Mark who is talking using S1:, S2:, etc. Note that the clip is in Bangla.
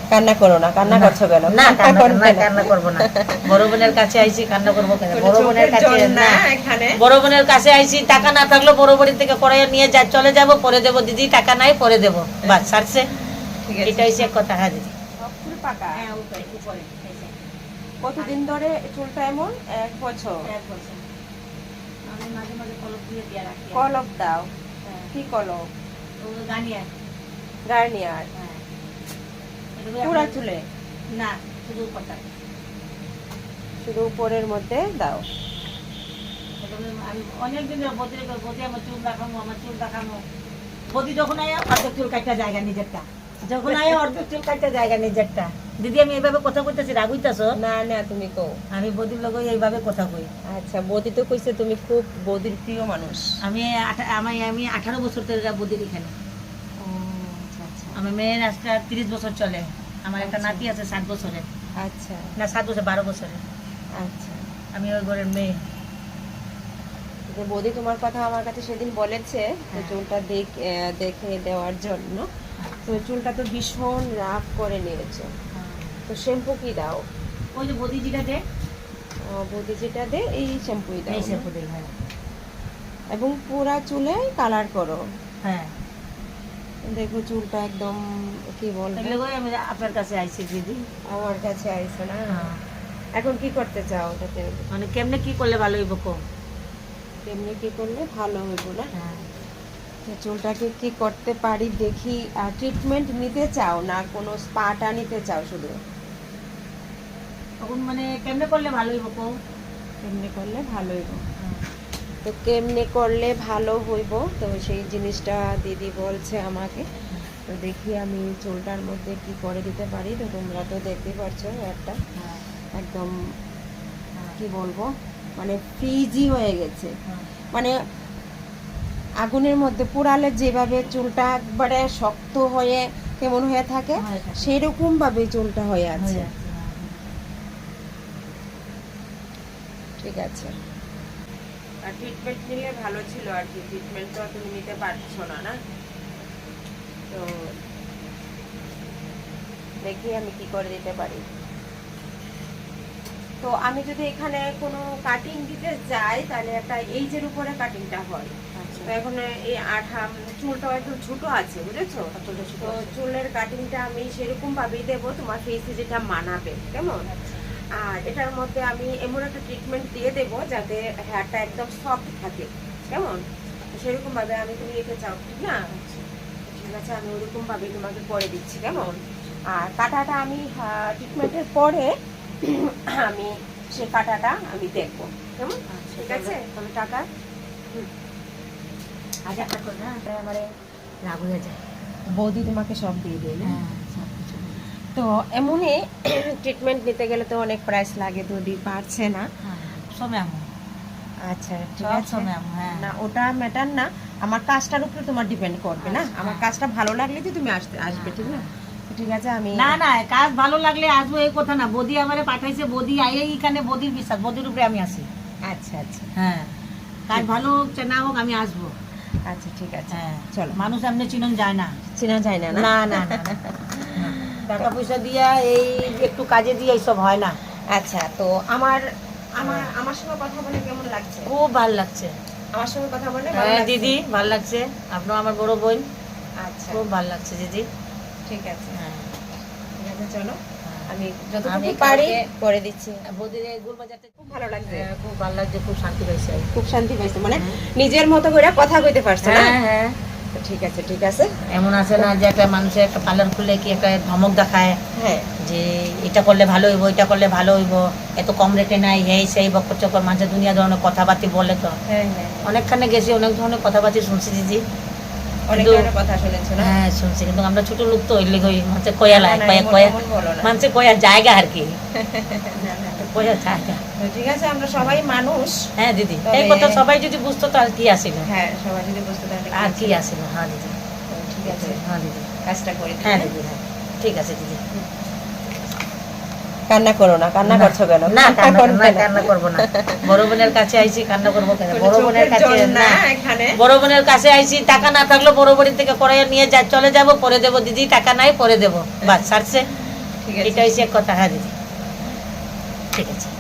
S1: কান্না করো না, কান্না করছো কেন?
S2: না কান্না করবো না। বড় বোনের কাছে আইছি, কান্না করবো কেন? বড় বোনের কাছে না, বড় বোনের কাছে আইছি, টাকা না থাকলে বড় বোনের থেকে কড়াইয়া নিয়ে চলে যাবো, পরে দেবো দিদি, টাকা নাই পরে দেবো, বাস ছাড়ছে। এটা হচ্ছে কথা। হ্যাঁ দিদি,
S1: পাকা। কতদিন ধরে চুলটা এমন? 1 বছর।
S2: আমি মাঝে মাঝে কলপ দিয়ে দিয়ে রাখি।
S1: কলপ দাও? কি কলপ? গার্নিয়ার? পুরা চুলে
S2: না, শুধু কথা।
S1: শুধু উপরের মধ্যে দাও?
S2: আমি অনেকদিন বদি আমার চুল দেখামো, বদি যখন আয় অর্ধেক চুল কাটটা জায়গা নিজেরটা, যখন আয় অর্ধেক চুল কাটটা জায়গা নিজেরটা। দিদি আমি এইভাবে কথা কইতেছি, রাগ হইতাছ?
S1: না না, তুমি কও।
S2: আমি বদির লগে এইভাবে কথা কই।
S1: আচ্ছা, বদি তো কইছে তুমি খুব বদির প্রিয় মানুষ।
S2: আমি 18 বছর থেকে বদির এখানে। আমার মেয়ের আজকে 30 বছর চলে। আমার একটা নাতি আছে 7 বছরের।
S1: আচ্ছা
S2: না 7 বছর, 12 বছরের।
S1: আচ্ছা,
S2: আমি ওই ঘরের মেয়ে।
S1: যে বৌদি তোমার কথা আমার কাছে সেদিন বলেছে তো চুলটা দেখে দেওয়ার জন্য। তো চুলটা তো ভীষণ রাফ করে নিয়েছো, তো শ্যাম্পু কি দাও?
S2: ওই যে বদি যেটা দে,
S1: বৌদি যেটা দে এই শ্যাম্পুই দাও?
S2: এই শ্যাম্পু দেই। হ্যাঁ,
S1: এবং পুরা চুলে কালার করো?
S2: হ্যাঁ।
S1: দেখো চুলটা একদম কি বলবো,
S2: আমি আপনার কাছে আইছি দিদি।
S1: আমার কাছে আইছো না? এখন কি করতে চাও ওটাতে?
S2: মানে কেমনে কি করলে ভালো হইব কো?
S1: কেমনি কি করলে ভালো হইব না? তো চুলটাকে কি করতে পারি দেখি। ট্রিটমেন্ট নিতে চাও না কোনো স্পাটা নিতে চাও? শুধু
S2: তখন মানে কেমনে করলে ভালো হইব কো?
S1: কেমনে করলে ভালো হইব? তো কেমনে করলে ভালো হইব তো সেই জিনিসটা দিদি বলছে আমাকে। তো দেখি আমি চুলটার মধ্যে কি করে দিতে পারি। তো তোমরা তো দেখতে পাচ্ছ একটা একদম কি বলবো, মানে ফ্রিজি হয়ে গেছে। মানে আগুনের মধ্যে পোড়ালে যেভাবে চুলটা একবারে শক্ত হয়ে কেমন হয়ে থাকে সেরকম ভাবে চুলটা হয়ে আছে। ঠিক আছে, আর ট্রিটমেন্ট নিলে ভালো ছিল আর কি। ট্রিটমেন্ট তো তুমি নিতে পারছো না, না? তো দেখি আমি কি করে দিতে পারি। তো আমি যদি এখানে কোনো কাটিং দিতে যাই তাহলে একটা এইজের উপরে কাটিংটা হয়। তো এখন এই চুলটাও একটু ছোট আছে, বুঝেছো? তো চুলের কাটিংটা আমি সেরকম ভাবেই দেবো তোমার ফেসে যেটা মানাবে, কেমন? আর এটার মধ্যে আমি এমন একটা ট্রিটমেন্ট দিয়ে দেবো যাতে হেয়ারটা একদম সফট থাকে, কেমন? সেরকম ভাবে আমি, তুমি এটা চাও ঠিক না? ঠিক আছে, আমি ওরকম ভাবে তোমাকে করে দিচ্ছি, কেমন? আর কাটাটা আমি ট্রিটমেন্টের পরে আমি সে কাটাটা আমি দেখবো, কেমন? ঠিক আছে, তাহলে টাকা
S2: আগে একটা করে না আমারে রাগ হয়ে যায়।
S1: বৌদি তোমাকে সব দিয়ে দেয় না? তো এমনই ট্রিটমেন্ট নিতে গেলে তো অনেক প্রাইস লাগে, যদি পারছে না। আচ্ছা ঠিক আছে, না ওটা ম্যাটার না, আমার কাজটার উপরে তোমার ডিপেন্ড করবে না। আমার কাজটা ভালো লাগলে তো তুমি আসবে, ঠিক না? ঠিক আছে, আমি
S2: না কাজ ভালো লাগলে আসবো এই কথা না। বদি আমারে পাঠাইছে, বদি আইয়ে এখানে বদির বিশ্বাস, বদির উপরে আমি আসি।
S1: আচ্ছা আচ্ছা,
S2: হ্যাঁ, কাজ ভালো হোক না হোক আমি আসবো।
S1: আচ্ছা ঠিক আছে,
S2: হ্যাঁ
S1: চলো।
S2: মানুষ এমনি চিনন যায় না,
S1: চেনা যায় না?
S2: না না টাকা পয়সা দিয়া এই একটু কাজে দিয়ে এইসব হয় না।
S1: আচ্ছা, তো আমার আমার আমার সঙ্গে কথা বলে কেমন লাগছে?
S2: খুব ভালো লাগছে
S1: আমার সঙ্গে কথা বলে?
S2: হ্যাঁ দিদি, ভালো লাগছে। আপনার আমার বড় বোন।
S1: আচ্ছা,
S2: খুব ভালো লাগছে দিদি।
S1: ঠিক আছে,
S2: হ্যাঁ
S1: ঠিক আছে, চলো আমি
S2: আমি
S1: যতটুকু পারি করে দিচ্ছি।
S2: বদির গুল বাজাতে
S1: খুব ভালো লাগছে,
S2: খুব ভালো লাগছে, খুব শান্তি পাইছে।
S1: খুব শান্তি পাইছে, মানে নিজের মতো করে কথা কইতে পারছো না?
S2: হ্যাঁ হ্যাঁ,
S1: ঠিক আছে ঠিক আছে।
S2: এমন আছে না যে একটা মানুষের একটা পার্লার খুলে কি একটা ধমক দেখায়
S1: হ্যাঁ,
S2: যে এটা করলে ভালো হইব, এটা করলে ভালো হইব, এত কম রেটে নাই, এই সেই বকর চকর মাঝে দুনিয়া ধরনের কথাবার্তি বলে। তো
S1: হ্যাঁ হ্যাঁ,
S2: অনেকখানে গেছি, অনেক ধরনের কথাবার্তি শুনছি দিদি।
S1: অনেক
S2: কিন্তু
S1: ধরনের কথা শুনেছো না?
S2: হ্যাঁ শুনছি, কিন্তু আমরা ছোট লোক তো এলে মানুষের কয়া লাগে, কয়া মানুষের কয়ার জায়গা আর কি, কয়ার জায়গা।
S1: ঠিক আছে, আমরা সবাই মানুষ।
S2: হ্যাঁ দিদি, এই কথা সবাই যদি বুঝতো তো আর কি আসিল।
S1: হ্যাঁ, সবাই যদি বুঝতে পারে
S2: আর কি আসিল। হ্যাঁ দিদি,
S1: ঠিক আছে,
S2: হ্যাঁ দিদি,
S1: কাজটা করে দিই।
S2: হ্যাঁ দিদি, হ্যাঁ ঠিক আছে দিদি।
S1: কান্না করো না, কান্না করছো কেন?
S2: না কান্না করবো না। বড় বোনের কাছে আইছি, কান্না করবো কেন? বড় বোনের কাছে না, বড় বোনের কাছে আইছি, টাকা না থাকলে বড় বোনের থেকে কড়াইয়া নিয়ে চলে যাবো, পরে দেবো দিদি, টাকা নাই পরে দেবো, বাস ছাড়ছে। এটা হচ্ছে এক কথা। হ্যাঁ দিদি, ঠিক আছে।